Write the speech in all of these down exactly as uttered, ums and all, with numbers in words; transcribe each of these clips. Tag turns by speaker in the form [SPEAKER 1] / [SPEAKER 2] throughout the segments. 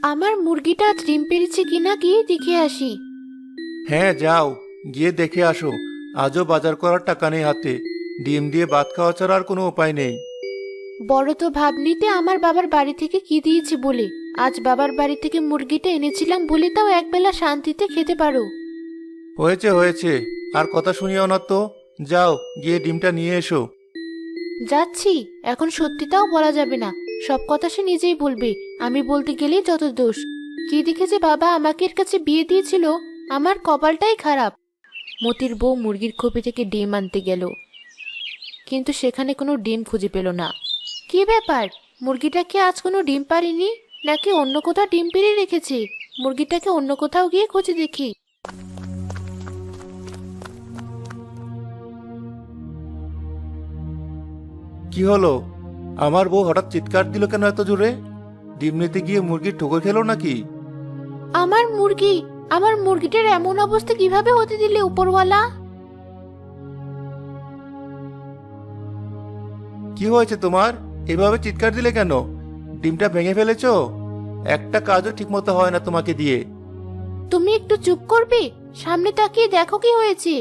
[SPEAKER 1] আমার মুরগিটা আজ ডিম পেড়েছে কিনা গিয়ে দেখে আসি।
[SPEAKER 2] হ্যাঁ যাও, গিয়ে দেখে আসো। আজও বাজার করার টাকা নেই হাতে। ডিম দিয়ে ভাত খাওয়া ছাড়া আর কোনো উপায় নেই।
[SPEAKER 1] বড় তো ভাবনিতে আমার বাবার বাড়ি থেকে কি দিয়েছে বলে। আজ বাবার বাড়ি থেকে মুরগিটা এনেছিলাম বলে তাও একবেলা শান্তিতে খেতে পারো।
[SPEAKER 2] হয়েছে হয়েছে, আর কথা শুনিও না তো। যাও, গিয়ে ডিমটা নিয়ে এসো।
[SPEAKER 1] যাচ্ছি। এখন সত্যিটাও বলা যাবে না, সব কথা সে নিজেই বলবে। আমি বলতে গেলেই যত দোষ। কি দেখে যে বাবা আমাকে এর কাছে বিয়ে দিয়েছিল, আমার কপালটাই খারাপ। মতির বউ মুরগির খোপে থেকে ডিম আনতে গেল, কিন্তু সেখানে কোনো ডিম খুঁজে পেল না। কি ব্যাপার, মুরগিটা কি আজ কোনো ডিম পারিনি, নাকি অন্য কোথাও ডিম পেড়ে রেখেছে? মুরগিটাকে অন্য কোথাও গিয়ে খুঁজে দেখি।
[SPEAKER 2] কি হলো? আমার বউ হঠাৎ চিৎকার দিল কেন এত জোরে? ডিম নিতে গিয়ে মুরগির ঠোকর খেলো নাকি?
[SPEAKER 1] আমার মুরগি, আমার মুরগিটার এমন অবস্থা কিভাবে হতে দিলে উপরওয়ালা?
[SPEAKER 2] কি হয়েছে তোমার? এভাবে চিৎকার দিলে কেন? ডিমটা ভেঙে ফেলেছো? একটা কাজও ঠিকমতো হয় না তোমাকে দিয়ে।
[SPEAKER 1] তুমি একটু চুপ করবে? সামনে তাকিয়ে দেখো কি হয়েছে।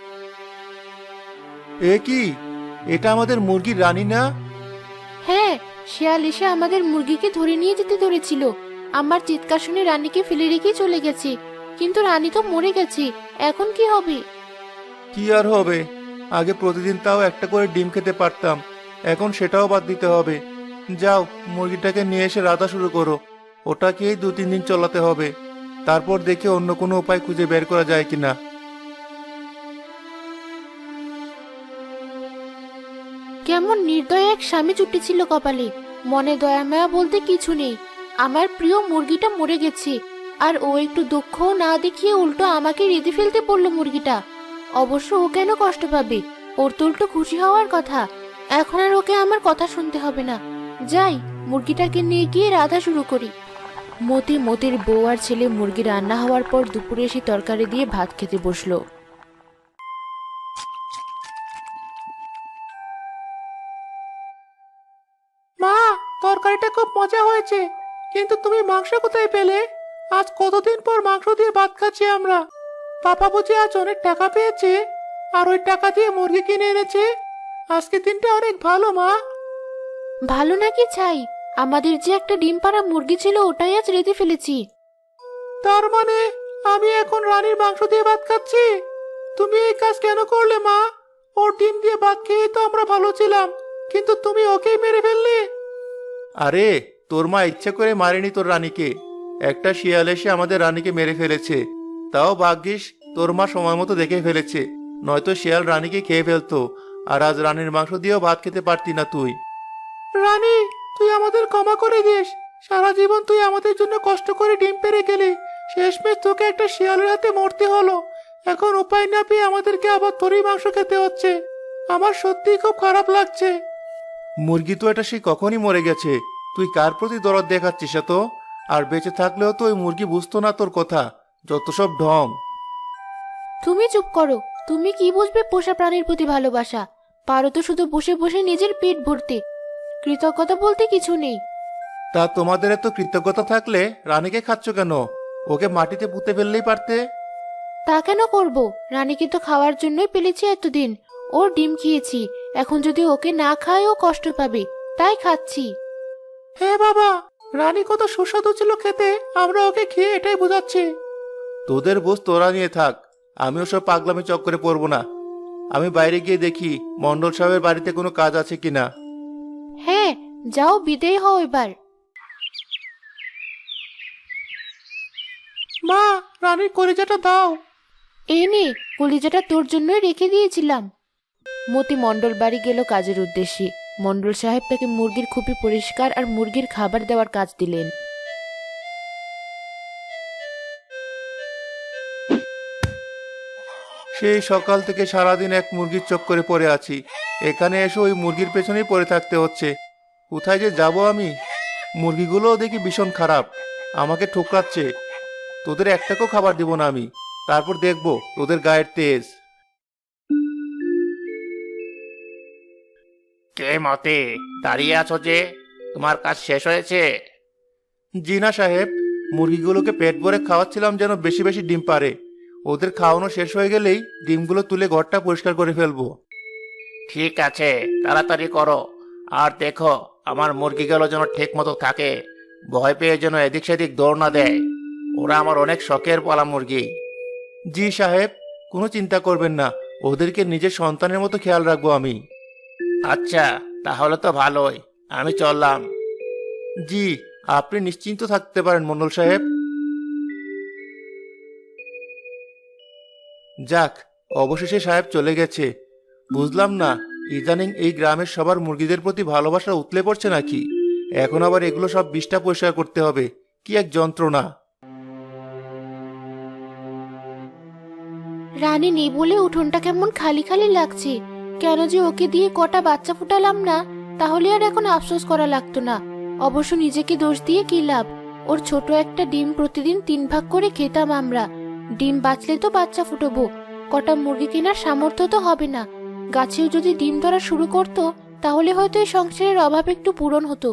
[SPEAKER 2] এ কি? এটা আমাদের মুরগির রানী না?
[SPEAKER 1] হ্যাঁ, শিয়াল এসে আমাদের মুরগিকে ধরে নিয়ে যেতে ধরেছিল। আমার চিৎকার শুনে রানীকে ফেলে রেখে চলে গেছে, কিন্তু রানী তো মরে গেছে। এখন কি হবে?
[SPEAKER 2] কি আর হবে? আগে প্রতিদিন তাও একটা করে ডিম খেতে পারতাম, এখন সেটাও বাদ দিতে হবে। যাও, মুরগিটাকে নিয়ে এসে রাধা শুরু করো। ওটাকেই দু তিন দিন চলাতে হবে, তারপর দেখে অন্য কোনো উপায় খুঁজে বের করা যায় কিনা।
[SPEAKER 1] কেমন নির্দয় এক স্বামী জুটেছিল কপালে। মনে দয়া মায়া বলতে কিছু নেই। আমার প্রিয় মুরগিটা মরে গেছে, আর ও একটু দুঃখও না দেখিয়ে উল্টো আমাকে রেঁধে ফেলতে বললো মুরগিটা। অবশ্য ও কেন কষ্ট পাবে? ওর তো উল্টো খুশি হওয়ার কথা। এখন আর ওকে আমার কথা শুনতে হবে না। যাই, মুরগিটাকে নিয়ে গিয়ে রাধা শুরু করি। মতি মতির বউ আর ছেলে মুরগি রান্না হওয়ার পর দুপুরে এসে তরকারি দিয়ে ভাত খেতে বসলো।
[SPEAKER 2] মা, তরকারিটা খুব মজা হয়েছে, কিন্তু তুমি মাংস কোথায় পেলে? আজ কতদিন পর মাংস দিয়ে ভাত খাচ্ছি আমরা। পাপা বুঝি আজ অনেক টাকা পেয়েছে, আর ওই টাকা দিয়ে মুরগি কিনে এনেছে। আজকে দিনটা অনেক ভালো মা।
[SPEAKER 1] ভালো নাকি ছাই, আমাদের যে একটা ডিম পাড়া মুরগি ছিল ওটাই আজ রেঁধে ফেলেছি।
[SPEAKER 2] তার মানে আমি এখন রানীর মাংস দিয়ে ভাত খাচ্ছি? তুমি এই কাজ কেন করলে মা? ওর ডিম দিয়ে ভাত খেয়ে তো আমরা ভালো ছিলাম, কিন্তু তুমি ওকেই মেরে ফেললে। আরে, তোর মা ইচ্ছে করে মারেনি তোর রানীকে। একটা শিয়াল এসে আমাদের রানীকে মেরে ফেলেছে। তাও ভাগ্যিস তোর মা সময় মতো দেখে ফেলেছে, নয়তো শিয়াল রানীকে খেয়ে ফেলতো। আর আজ রানীর মাংস দিয়েও ভাত খেতে পারতি না তুই। রানী, তুই আমাদের ক্ষমা করে দিস। সারা জীবন তুই আমাদের জন্য কষ্ট করে ডিম পেড়ে গেলি, শেষমেশ তোকে একটা শিয়ালের হাতে মরতে হলো। এখন উপায় না পেয়ে আমাদেরকে আবার তোরই মাংস খেতে হচ্ছে। আমার সত্যিই খুব খারাপ লাগছে। মুরগি তো এটা সেই কখনই মরে গেছে। তুই কার প্রতি দরদ দেখাচ্ছিস এত? আর বেঁচে থাকলেও তো ওই মুরগি বুঝতো না তোর কথা। যত সব ঢং।
[SPEAKER 1] তুমি চুপ করো। তুমি কি বুঝবে পোষা প্রাণীর প্রতি ভালোবাসা? পারো তো শুধু বসে বসে নিজের পেট ভরতে। কৃতজ্ঞতা বলতে কিছু নেই।
[SPEAKER 2] তা তোমাদের এত কৃতজ্ঞতা থাকলে রানীকে খাচ্ছ কেন? ওকে মাটিতে পুঁতে ফেললেই পারতে।
[SPEAKER 1] তা কেন করব? রানীকে তো খাওয়ার জন্যই পেলেছি এতদিন। ওর ডিম খেয়েছি, এখন যদি ওকে না খায় ও কষ্ট পাবে, তাই খাচ্ছি।
[SPEAKER 2] হ্যাঁ বাবা, রানী কত সুস্বাদু ছিল খেতে, আমরা ওকে খেয়ে এটাই বোঝাচ্ছি। তোদের বোঝ তোরা নিয়ে থাক, আমি ওসব পাগলামি চক্করে পড়বো না। আমি বাইরে গিয়ে দেখি মন্ডল সাহেবের বাড়িতে কোনো কাজ আছে কিনা।
[SPEAKER 1] হ্যাঁ, যাও, বিদেয় হও এবার।
[SPEAKER 2] মা, রানীর কলিজাটা দাও।
[SPEAKER 1] এই নে, কলিজাটা তোর জন্যই রেখে দিয়েছিলাম। মতি মণ্ডল বাড়ি গেল কাজের উদ্দেশ্যে। মণ্ডল সাহেব তাকে মুরগির খুপি পরিষ্কার আর মুরগির খাবার দেওয়ার কাজ দিলেন।
[SPEAKER 2] সেই সকাল থেকে সারাদিন এক মুরগির চক্করে পড়ে আছি। এখানে এসে ওই মুরগির পেছনেই পড়ে থাকতে হচ্ছে। কোথায় যে যাব আমি? মুরগিগুলোও দেখি ভীষণ খারাপ, আমাকে ঠোকরাচ্ছে। তোদের একটাকেও খাবার দিব না আমি, তারপর দেখবো তোদের গায়ের তেজ।
[SPEAKER 3] কে মতে, দাঁড়িয়ে আছো যে? তোমার কাজ শেষ হয়েছে?
[SPEAKER 2] জি না সাহেব, মুরগিগুলোকে পেট ভরে খাওয়াচ্ছিলাম যেন বেশি বেশি ডিম পারে। ওদের খাওয়ানো শেষ হয়ে গেলেই ডিমগুলো তুলে ঘরটা পরিষ্কার করে ফেলবো। ঠিক আছে, তাড়াতাড়ি করো। আর দেখো আমার মুরগিগুলো যেন ঠিক মতো থাকে, ভয় পেয়ে যেন এদিক সেদিক দৌড় না দেয়। ওরা আমার অনেক শখের পালা মুরগি। জি সাহেব, কোনো চিন্তা করবেন না, ওদেরকে নিজের সন্তানের মতো খেয়াল রাখবো আমি। আচ্ছা, তাহলে তো ভালোই, আমি চললাম। জি, আপনি নিশ্চিন্ত থাকতে পারেন মন্ডল সাহেব। যাক, অবশেষে সাহেব চলে গেছে। বুঝলাম না, ইদানিং এই গ্রামের সবার মুরগিদের প্রতি ভালোবাসা উতলে পড়ছে নাকি। এখন আবার এগুলো সব বিষটা পরিষ্কার করতে হবে, কি এক যন্ত্রণা।
[SPEAKER 1] রানী নেই বলে উঠোনটা কেমন খালি খালি লাগছে। কেন যে ওকে দিয়ে কটা বাচ্চা ফুটালাম না, তাহলে আর এখন আফসোস করা লাগতো না। অবশ্য নিজেকে দোষ দিয়ে কি লাভ, ওর ছোট একটা ডিম প্রতিদিন তিন ভাগ করে খেতাম আমরা। ডিম বাঁচলে তো বাচ্চা ফুটবো, কটা মুরগি কেনার সামর্থ্য তো হবে না। গাছেও যদি ডিম ধরা শুরু করতো, তাহলে হয়তো এই সংসারের অভাব একটু পূরণ হতো।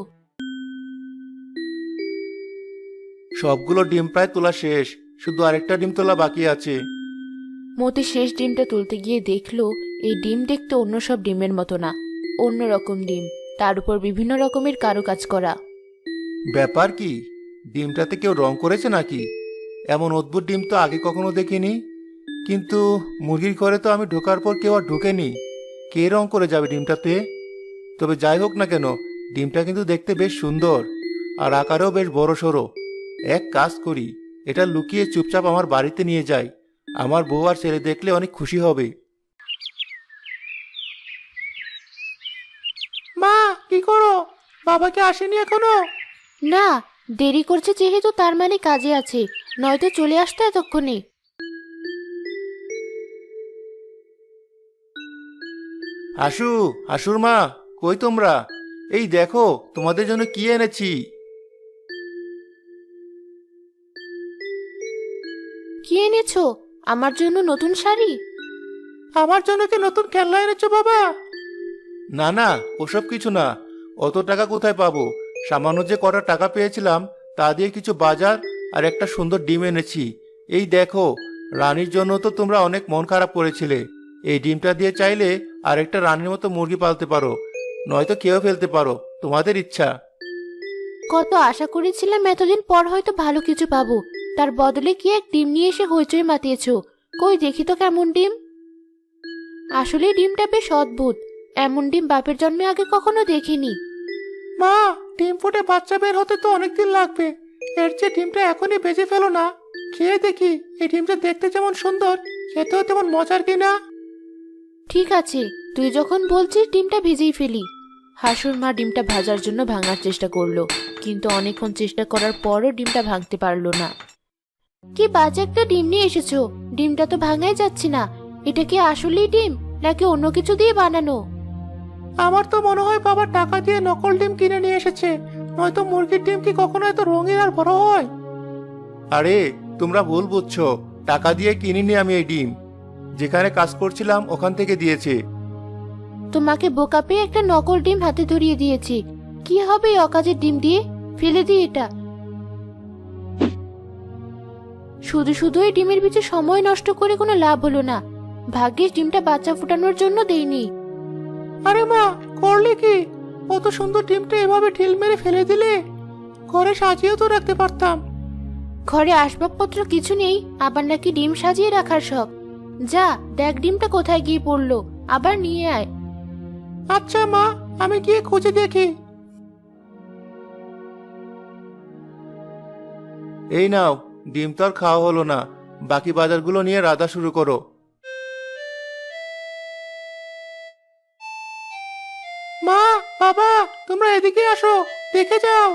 [SPEAKER 2] সবগুলো ডিম প্রায় তোলা শেষ, শুধু আরেকটা ডিম তোলা বাকি আছে।
[SPEAKER 1] মতি শেষ ডিমটা তুলতে গিয়ে দেখলো এই ডিম দেখতে অন্য সব ডিমের মতো না, অন্য রকম ডিম, তার উপর বিভিন্ন রকমের কারুকাজ করা।
[SPEAKER 2] ব্যাপার কি, ডিমটাতে কেউ রং করেছে নাকি? এমন অদ্ভুত ডিম তো আগে কখনো দেখিনি। কিন্তু মুরগির ঘরে তো আমি ঢোকার পর কেউ আর ঢোকেনি, কে রং করে যাবে ডিমটাতে? তবে যাই হোক না কেন, ডিমটা কিন্তু দেখতে বেশ সুন্দর, আর আকারেও বেশ বড় সড়ো। এক কাজ করি, এটা লুকিয়ে চুপচাপ আমার বাড়িতে নিয়ে যাই, আমার বউ আর ছেলে দেখলে অনেক খুশি হবে। মা, কি করো? বাবাকে আসেনি এখনো?
[SPEAKER 1] না, দেরি করছে যেহেতু তার মানে কাজে আছে, নয়তো চলে আসতো এতক্ষণে।
[SPEAKER 2] হাসু, হাসুর মা, কই তোমরা? এই দেখো তোমাদের জন্য কি এনেছি।
[SPEAKER 1] কি এনেছো? আমার জন্য নতুন শাড়ি?
[SPEAKER 2] আমার জন্য কি নতুন খেলনা এনেছো বাবা? না না, ওসব কিছু না। অত টাকা কোথায় পাবো? সামান্য যে কটা টাকা পেয়েছিলাম তা দিয়ে কিছু বাজার আর একটা সুন্দর ডিম এনেছি। এই দেখো, রানীর জন্য তো তোমরা অনেক মন খারাপ করেছিলে। এই ডিমটা দিয়ে চাইলে আর একটা রানীর মতো মুরগি পালতে পারো, নয়তো খেয়েও ফেলতে পারো, তোমাদের ইচ্ছা।
[SPEAKER 1] কত আশা করেছিলাম এতদিন পর হয়তো ভালো কিছু পাবো, তার বদলে কি এক ডিম নিয়ে এসে হইচই মাতিয়েছো। কই দেখি তো কেমন ডিম। আসলে ডিমটা বেশ অদ্ভুত, এমন ডিম বাপের জন্মে আগে কখনো দেখিনি।
[SPEAKER 2] মা, ডিম ফুটে বাচ্চা বের হতে তো অনেকদিন লাগবে। এর চেয়ে ডিমটা এখনই ভেজে ফেলো না, খেয়ে দেখি এই ডিমটা দেখতে যেমন সুন্দর খেতেও তেমন মজার কিনা।
[SPEAKER 1] ঠিক আছে, তুই যখন বলছিস ডিমটা ভেজেই ফেলি। হাসুর মা ডিমটা ভাজার জন্য ভাঙার চেষ্টা করলো, কিন্তু অনেকক্ষণ চেষ্টা করার পরও ডিমটা ভাঙতে পারলো না। কি বাজে একটা ডিম নিয়ে এসেছো, ডিমটা তো ভাঙাই যাচ্ছে না। এটা কি আসলেই ডিম নাকি অন্য কিছু দিয়ে বানানো?
[SPEAKER 2] আমার তো মনে হয় বাবা টাকা দিয়ে নকল ডিম কিনে নিয়ে এসেছে, নয়তো মুরগির ডিম কি কখনো এত রঙিন আর বড় হয়? আরে তোমরা ভুল বুঝছো, টাকা দিয়ে কিনিনি আমি এই ডিম, যেখানে কাজ করছিলাম ওখান থেকে দিয়েছে।
[SPEAKER 1] তোমাকে বোকা পেয়ে একটা নকল ডিম হাতে ধরিয়ে দিয়েছি। কি হবে এই অকাজের ডিম দিয়ে? ফেলে দিই এটা। শুধু শুধু এই ডিমের পিছে সময় নষ্ট করে কোনো লাভ হলো না। ভাগ্যিস ডিমটা বাচ্চা ফুটানোর জন্য দেইনি।
[SPEAKER 2] আরে মা, করলে কি? কত সুন্দর ডিমটা এভাবে ঢিল মেরে ফেলে দিলে। ঘরে সাজিয়েও তো রাখতে পারতাম।
[SPEAKER 1] ঘরে আসবাবপত্র কিছু নেই, আবার নাকি ডিম সাজিয়ে রাখার শখ। যা দেখ ডিমটা কোথায় গিয়ে পড়লো, আবার নিয়ে আয়।
[SPEAKER 2] আচ্ছা মা, আমি গিয়ে খুঁজে দেখি। এই নাও, ডিম তো আর খাওয়া হলো না, বাকি বাজারগুলো নিয়ে রাধা শুরু করো। মা, বাবা, তোমরা এদিকে আসো, দেখে যাও।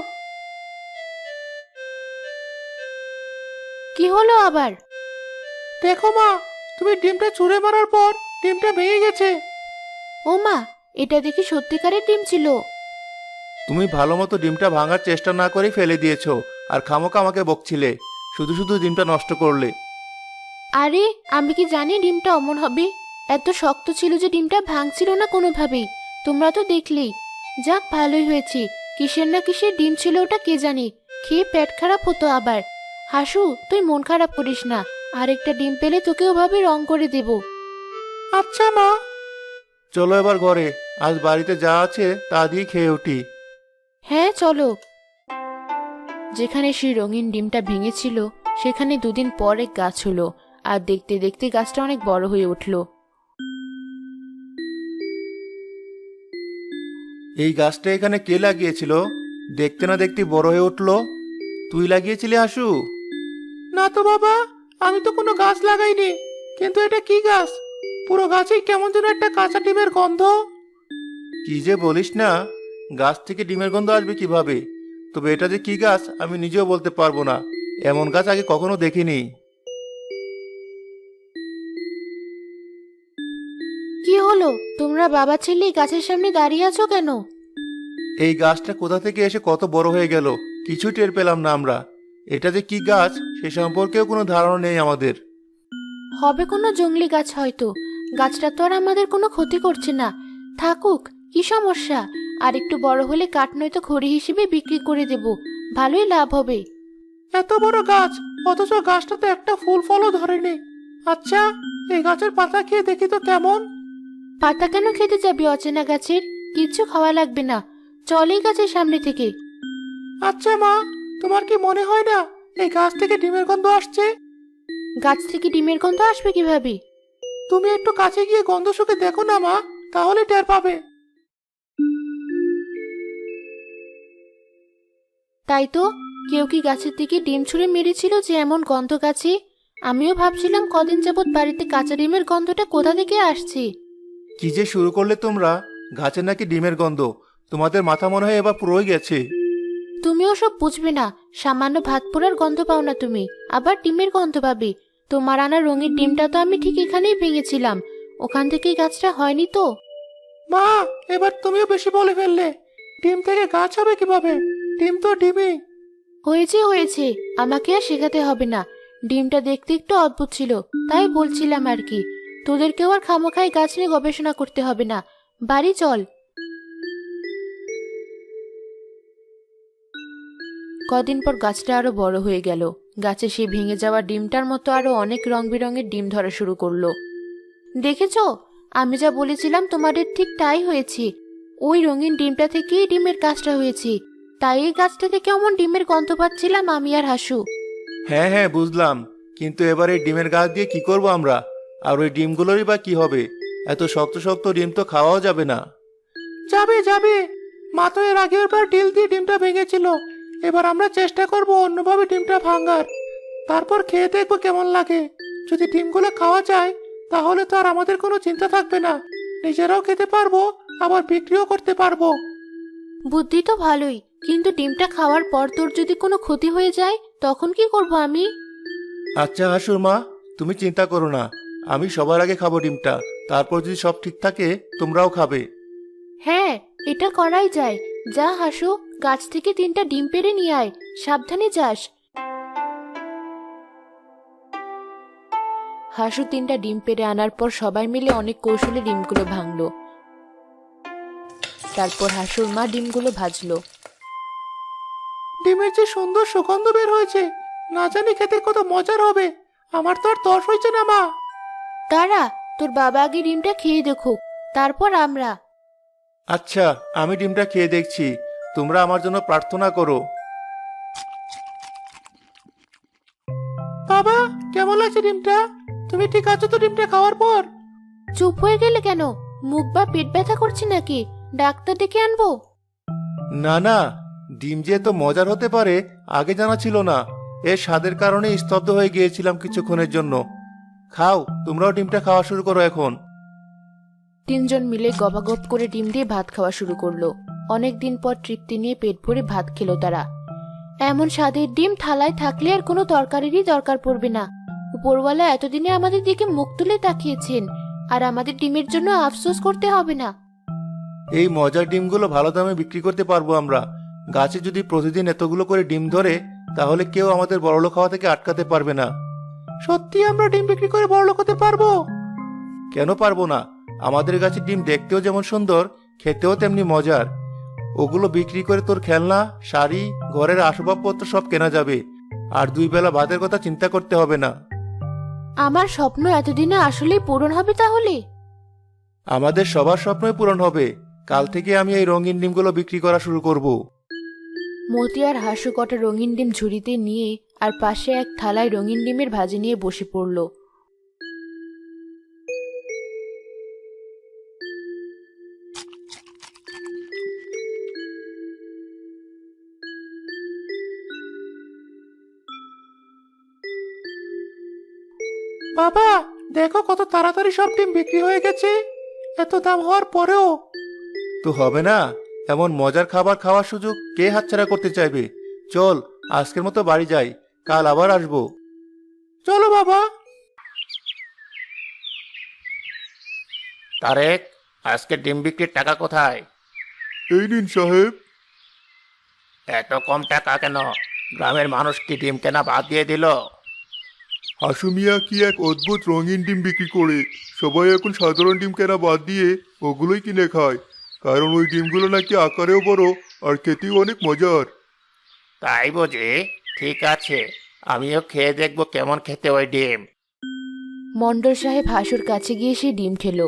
[SPEAKER 1] কি হলো আবার?
[SPEAKER 2] দেখো মা, তুমি ডিমটা ছুঁড়ে মারার পর ডিমটা ভেঙে গেছে।
[SPEAKER 1] ও মা, এটা দেখি সত্যিকারের ডিম ছিল।
[SPEAKER 2] তুমি ভালো মতো ডিমটা ভাঙার চেষ্টা না করেই ফেলে দিয়েছো, আর খামোকা আমাকে বকছিলে, শুধু শুধু ডিমটা নষ্ট করলে।
[SPEAKER 1] আরে আমি কি জানি ডিমটা অমন হবে? এত শক্ত ছিল যে ডিমটা ভাঙছিল না কোনোভাবেই। তোমরা তো দেখলেই। যাক ভালোই হয়েছে, কিসের না কিসের ডিম ছিল ওটা কে জানে, খেয়ে পেট খারাপ হতো আবার। হাসু, তুই মন খারাপ করিস না, আরেকটা ডিম পেলে তোকে ওভাবে রং করে দেব।
[SPEAKER 2] আচ্ছা মা। চলো এবার ঘরে, আজ বাড়িতে যা আছে তা দিয়ে খেয়ে উঠি।
[SPEAKER 1] হ্যাঁ চলো। যেখানে সেই রঙিন ডিমটা ভেঙেছিল সেখানে দুদিন পর এক গাছ হলো, আর দেখতে দেখতে গাছটা অনেক বড় হয়ে উঠলো।
[SPEAKER 2] এই গাছটা এখানে কে লাগিয়েছিল? দেখতে না দেখতে বড় হয়ে উঠলো। তুই লাগিয়েছিলি হাসু? না তো বাবা, আমি তো কোনো গাছ লাগাইনি। কিন্তু এটা কি গাছ? পুরো গাছেই কেমন যেন একটা কাঁচা ডিমের গন্ধ। কি যে বলিস না, গাছ থেকে ডিমের গন্ধ আসবে কিভাবে? তবে এটা যে কি গাছ আমি নিজেও বলতে পারবো না, এমন গাছ আগে কখনো দেখিনি।
[SPEAKER 1] কি হলো, তোমরা বাবা ছেলে গাছের সামনে দাঁড়িয়ে আছো কেন?
[SPEAKER 2] এই গাছটা কোথা থেকে এসে কত বড় হয়ে গেল, কিছু টের পেলাম না আমরা। এটা যে কি গাছ সে সম্পর্কেও কোনো ধারণা নেই আমাদের।
[SPEAKER 1] হবে কোনো জংলি গাছ হয়তো। গাছটা তো আর আমাদের কোনো ক্ষতি করছে না, থাকুক, কি সমস্যা। আর একটু বড় হলে কাঠ নয়তো খড়ি হিসেবে বিক্রি করে দেব, ভালোই লাভ হবে।
[SPEAKER 2] এত বড় গাছ, অথচ গাছটাতে একটা ফুল ফলও ধরেনি। আচ্ছা, এই গাছের পাতা খেয়ে দেখি তো কেমন।
[SPEAKER 1] পাতা কেন খেতে যাবি অচেনা গাছের? কিচ্ছু খাওয়া লাগবে না, চল এই গাছের সামনে থেকে।
[SPEAKER 2] আচ্ছা মা, তোমার কি মনে হয় না এই গাছ থেকে ডিমের গন্ধ আসছে?
[SPEAKER 1] গাছ থেকে ডিমের গন্ধ আসবে কিভাবে?
[SPEAKER 2] তুমি একটু কাছে গিয়ে গন্ধ শুকে দেখো না মা, তাহলে টের পাবে।
[SPEAKER 1] তাই তো, কেউ কি গাছের দিকে ডিম ছুঁড়ে মেরেছিল যে এমন গন্ধ গাছে? আমিও ভাবছিলাম কদিন যাবৎ বাড়িতে কাঁচা ডিমের গন্ধটা কোথা থেকে আসছে।
[SPEAKER 2] কি যে শুরু করলে তোমরা! গাছের নাকি ডিমের গন্ধ, তোমাদের মাথা মনে হয় এবার পুরোই গেছে।
[SPEAKER 1] তুমিও সব বুঝবে না, সামান্য ভাত পোড়ার গন্ধ পাও না তুমি, আবার ডিমের গন্ধ পাবে? তোমার আনা রঙের ডিমটা তো আমি ঠিক এখানেই ভেঙেছিলাম, ওখান থেকেই গাছটা হয়নি তো।
[SPEAKER 2] মা, এবার তুমিও বেশি বলে ফেললে। ডিম থেকে গাছ হবে কিভাবে? ডিম তো ডিমই।
[SPEAKER 1] হয়েছে হয়েছে, আমাকে আর শেখাতে হবে না। ডিমটা দেখতে একটু অদ্ভুত ছিল, তাই বলছিলাম আর কি। তোদেরকেও আর খামোখাই গাছ নিয়ে গবেষণা করতে হবে না, বাড়ি চল। কদিন পর গাছটা আরো বড় হয়ে গেল। গাছে সেই ভেঙে যাওয়া ডিমটার মতো আরো অনেক রং বেরঙের ডিম ধরা শুরু করলো। দেখেছো, আমি যা বলেছিলাম তোমাদের ঠিক তাই হয়েছে। ওই রঙিন ডিমটা থেকেই ডিমের কাজটা হয়েছে, তাই এই গাছটা থেকে অমন ডিমের গন্ধ পাচ্ছিলাম আমি আর হাসু।
[SPEAKER 2] হ্যাঁ হ্যাঁ বুঝলাম, কিন্তু এবার এই ডিমের গাছ দিয়ে কি করব আমরা? আর ওই ডিমগুলোরই বা কি হবে? এত শক্ত শক্ত ডিম তো খাওয়াও যাবে না। যাবে যাবে, মা তো এর আগের বার ডিল দিয়ে ডিমটা ভেঙেছিল। এবার আমরা চেষ্টা করব অন্যভাবে ডিমটা ভাঙার, তারপর খেয়ে দেখবো কেমন লাগে। যদি ডিমগুলো খাওয়া যায় তাহলে তো আর আমাদের কোনো চিন্তা থাকবে না, নিজেরাও খেতে পারবো, আবার বিক্রিও করতে পারবো।
[SPEAKER 1] বুদ্ধি তো ভালোই, কিন্তু ডিমটা খাওয়ার পর তোর যদি কোনো ক্ষতি হয়ে যায় তখন কি করব আমি?
[SPEAKER 2] আচ্ছা হাসুর মা, তুমি চিন্তা করো না, আমি সবার আগে খাবো ডিমটা, তারপর যদি সব ঠিক থাকে তোমরাও খাবে।
[SPEAKER 1] হ্যাঁ, এটা করাই যায়। যা হাসু, গাছ থেকে তিনটা ডিম পেড়ে নিয়ে আয়, সাবধানে যাস। হাসু তিনটা ডিম পেড়ে আনার পর সবাই মিলে অনেক কৌশলে ডিমগুলো ভাঙলো। তারপর হাসুর মা ডিমগুলো ভাজলো।
[SPEAKER 2] ডিমের যে সুন্দর সুগন্ধ বের হয়েছে, না জানি খেতে কত মজার হবে। আমার তো আর তর হয়েছে না মা।
[SPEAKER 1] দাঁড়া, তোর বাবা আগে ডিমটা খেয়ে দেখুক, তারপর আমরা।
[SPEAKER 2] আচ্ছা, আমি ডিমটা খেয়ে দেখছি, তোমরা আমার জন্য প্রার্থনা করো। বাবা, কেমন লাগছে ডিমটা? তুমি ঠিক আছো তো ডিমটা খাওয়ার পর?
[SPEAKER 1] চুপ হয়ে গেলে কেন? মুখ বা পেট ব্যথা করছে নাকি? ডাক্তার ডেকে আনবো?
[SPEAKER 2] না না, ডিম যে এত মজার হতে পারে আগে জানা ছিল না। এর স্বাদের কারণে স্তব্ধ হয়ে গিয়েছিলাম কিছুক্ষণের জন্য। খাও, তোমরাও ডিমটা খাওয়া শুরু করো এখন।
[SPEAKER 1] তিনজন মিলে গবাগপ করে ডিম দিয়ে ভাত খাওয়া শুরু করলো। অনেকদিন পর তৃপ্তি নিয়ে পেট ভরে ভাত খেলো তারা। এমন স্বাদের ডিম থালায় থাকলে আর কোনো তরকারিরই দরকার পড়বে না। উপরওয়ালা এতদিনে আমাদের দিকে মুখ তুলে তাকিয়েছেন, আর আমাদের ডিমের জন্য আফসোস করতে হবে না।
[SPEAKER 2] এই মজার ডিমগুলো ভালো দামে বিক্রি করতে পারবো আমরা। গাছে যদি প্রতিদিন এতগুলো করে ডিম ধরে তাহলে কেউ আমাদের বড়লোক হওয়া থেকে আটকাতে পারবে না। সত্যি আমরা ডিম বিক্রি করে বড়লোক হতে পারবো? কেন পারবো না? আমাদের গাছের ডিম দেখতেও যেমন সুন্দর, খেতেও তেমনি মজার। ওগুলো বিক্রি করে তোর খেলনা, শাড়ি, ঘরের আসবাবপত্র সব কেনা যাবে। আর দুই বেলা ভাতের কথা চিন্তা করতে হবে না।
[SPEAKER 1] আমার স্বপ্ন এতদিনে আসলেই পূরণ হবে তাহলে?
[SPEAKER 2] আমাদের সবার স্বপ্নই পূরণ হবে। কাল থেকে আমি এই রঙিন ডিমগুলো বিক্রি করা শুরু করব।
[SPEAKER 1] মতি আর হাসু কটা রঙিন ডিম ঝুড়িতে নিয়ে আর পাশে এক থালায় রঙিন ডিমের ভাজি নিয়ে বসে পড়ল।
[SPEAKER 2] বাবা, দেখো কত তাড়াতাড়ি সব ডিম বিক্রি হয়ে গেছে। এত দাম হওয়ার পরেও তো হবে না। এমন মজার খাবার খাওয়ার সুযোগ কে হাতছাড়া করতে চাইবে? চল, আজকের মতো বাড়ি যাই, কাল আবার আসবো। চলো বাবা। তারেক, আজকে ডিম বিক্রির টাকা কোথায়? এই নিন সাহেব। এত কম টাকা কেন? গ্রামের মানুষ কি ডিম কেনা বাদ দিয়ে দিল?
[SPEAKER 3] হাসু মিয়া কি এক অদ্ভুত রঙিন ডিম বিক্রি করে সবাই এখন সাধারণ ডিম কেনা বাদ দিয়ে ওগুলোই কিনে খায়, কারণ ওই ডিমগুলো নাকি আকারেও বড় আর খেতেও অনেক মজার।
[SPEAKER 2] তাই বুঝি? ঠিক আছে, আমিও খেয়ে দেখবো কেমন খেতে ওই ডিম।
[SPEAKER 1] মণ্ডল সাহেব হাসুর কাছে গিয়ে সে ডিম খেলো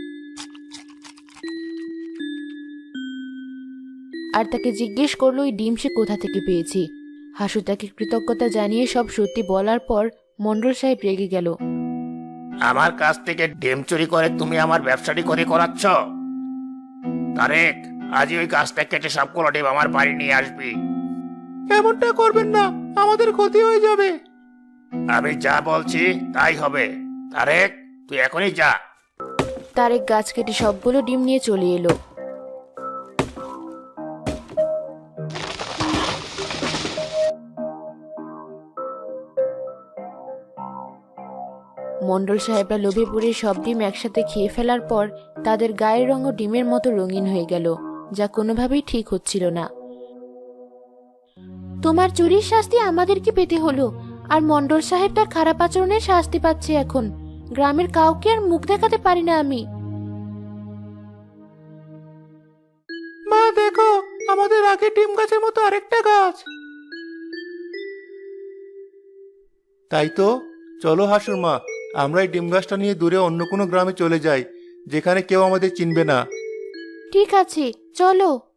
[SPEAKER 1] আর তাকে জিজ্ঞেস করলো ওই ডিম সে কোথা থেকে পেয়েছে। হাসু তাকে কৃতজ্ঞতা জানিয়ে সব সত্যি বলার পর মণ্ডল সাহেব রেগে গেল।
[SPEAKER 2] আমার কাছ থেকে ডিম চুরি করে তুমি আমার ব্যবসাটি করে করাচ্ছ? তারেক, আজই ওই গাছটা কেটে সবগুলো ডিম আমার বাড়ি নিয়ে আসবি। এমনটা করবেন না, আমাদের ক্ষতি হয়ে যাবে। আমি যা বলছি তাই হবে। তারেক, তুই এখনই যা।
[SPEAKER 1] তারেক গাছ কেটে সবগুলো ডিম নিয়ে চলে এলো। মণ্ডল সাহেবরা লোভে পড়ে সব ডিম একসাথে খেয়ে ফেলার পর তাদের গায়ের রঙও ডিমের মতো রঙিন হয়ে গেল, যা কোনোভাবেই ঠিক হচ্ছিল না। তোমার চুরির শাস্তি আমাদেরকে পেতে হলো, আর মণ্ডল সাহেব তার খারাপ আচরণের শাস্তি পাচ্ছে এখন। গ্রামের কাউকে আর মুখ দেখাতে পারি না আমি।
[SPEAKER 2] মা দেখো, আমাদের আগে ডিম গাছের মতো আরেকটা গাছ। তাই তো, চলো হাসুর মা, আমরা এই ডিম গাছটা নিয়ে দূরে অন্য কোনো গ্রামে চলে যাই, যেখানে কেউ আমাদের চিনবে না।
[SPEAKER 1] ঠিক আছে, চলো।